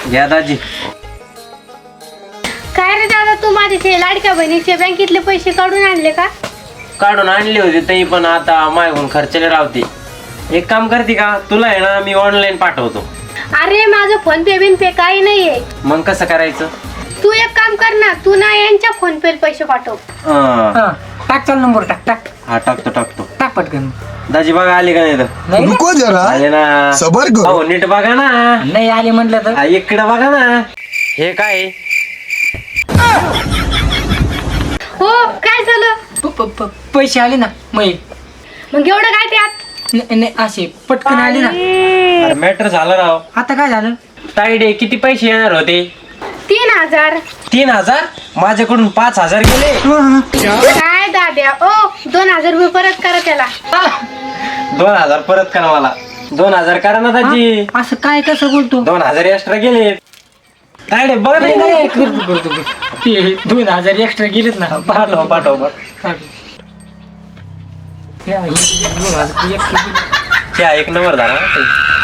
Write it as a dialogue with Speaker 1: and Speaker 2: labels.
Speaker 1: घ्या दाजी.
Speaker 2: काय रे दादा, तू माझे लाडक्या बहिणीचे बँकेतले पैसे काढून आणले का?
Speaker 1: काढून आणले होते ते, पण आता मागून खर्चाला राहते. एक काम करते का, तुला आहे ना मी ऑनलाईन पाठवतो.
Speaker 2: अरे माझं फोन पे बिन पे काही नाहीये.
Speaker 1: मग कसं करायचं?
Speaker 2: तू एक काम कर ना, तू ना यांच्या फोन पे पैसे पाठव.
Speaker 1: हा
Speaker 3: टाक, चल नंबर टाक टाक
Speaker 1: टाकतो
Speaker 3: टाक पटकन.
Speaker 1: दाजी बघा आले का नाही तर?
Speaker 3: नाही रे?
Speaker 4: रुको जरा,
Speaker 1: आले ना.
Speaker 4: सबर करो.
Speaker 1: हो नीट बघा ना.
Speaker 3: नाही आले म्हटलं तर.
Speaker 1: इकडे बघा ना. हे काय?
Speaker 2: हो काय झालं?
Speaker 3: पैसे आले ना
Speaker 2: मग एवढं काय त्यात?
Speaker 3: नाही असे पटकन आले ना.
Speaker 1: अरे मॅटर झालं राव.
Speaker 3: आता काय झालं?
Speaker 1: ताईडे किती पैसे येणार होते?
Speaker 2: 3000.
Speaker 1: 3000? माझ्याकडून 5000 गेले.
Speaker 2: काय दाद्या, ओ 2000 रुपये परत करा त्याला.
Speaker 1: 2000 परत करा मला. 2000 करा ना दाजी.
Speaker 3: असं काय कसं बोलतो?
Speaker 1: 2000 एक्स्ट्रा गेले. ताईडे बघ
Speaker 3: नाही,
Speaker 1: नाही.
Speaker 3: नाही, करतो. ते 2000 एक्स्ट्रा गेलेत ना.
Speaker 1: पाठव.
Speaker 3: हे 2000 extra गेले.
Speaker 1: एक नंबर झाला.